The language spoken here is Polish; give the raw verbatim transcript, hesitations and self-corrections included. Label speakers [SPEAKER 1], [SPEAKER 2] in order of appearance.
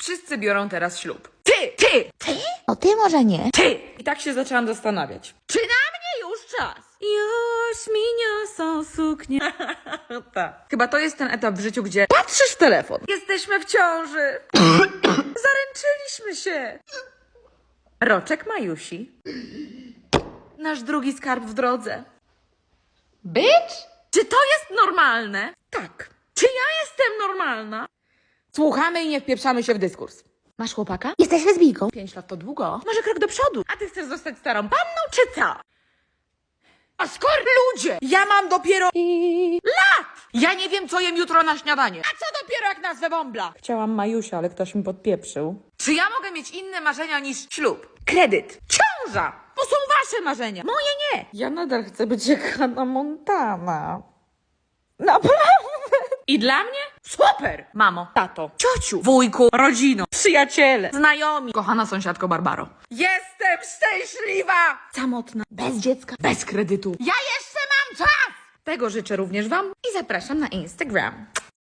[SPEAKER 1] Wszyscy biorą teraz ślub. Ty! Ty!
[SPEAKER 2] Ty? O ty może nie.
[SPEAKER 1] Ty! I tak się zaczęłam zastanawiać. Czy na mnie już czas? Już mi niosą suknię. Tak. Chyba to jest ten etap w życiu, gdzie patrzysz w telefon. Jesteśmy w ciąży. Zaręczyliśmy się. Roczek Majusi. Nasz drugi skarb w drodze. Bitch? Czy to jest normalne? Tak. Czy ja jestem normalna? Słuchamy i nie wpieprzamy się w dyskurs. Masz chłopaka?
[SPEAKER 2] Jesteś lesbijką.
[SPEAKER 1] Pięć lat to długo. Może krok do przodu. A ty chcesz zostać starą panną, czy co? A skoro ludzie! Ja mam dopiero lat! Ja nie wiem, co jem jutro na śniadanie. A co dopiero jak nazwę bąbla? Chciałam Majusia, ale ktoś mi podpieprzył. Czy ja mogę mieć inne marzenia niż ślub, kredyt, ciąża? To są wasze marzenia. Moje nie. Ja nadal chcę być jak Hannah Montana. Naprawdę? I dla mnie? Super! Mamo, tato, ciociu, wujku, rodzino, przyjaciele, znajomi, kochana sąsiadko Barbaro. Jestem szczęśliwa! Samotna, bez dziecka, bez kredytu. Ja jeszcze mam czas! Tego życzę również wam i zapraszam na Instagram.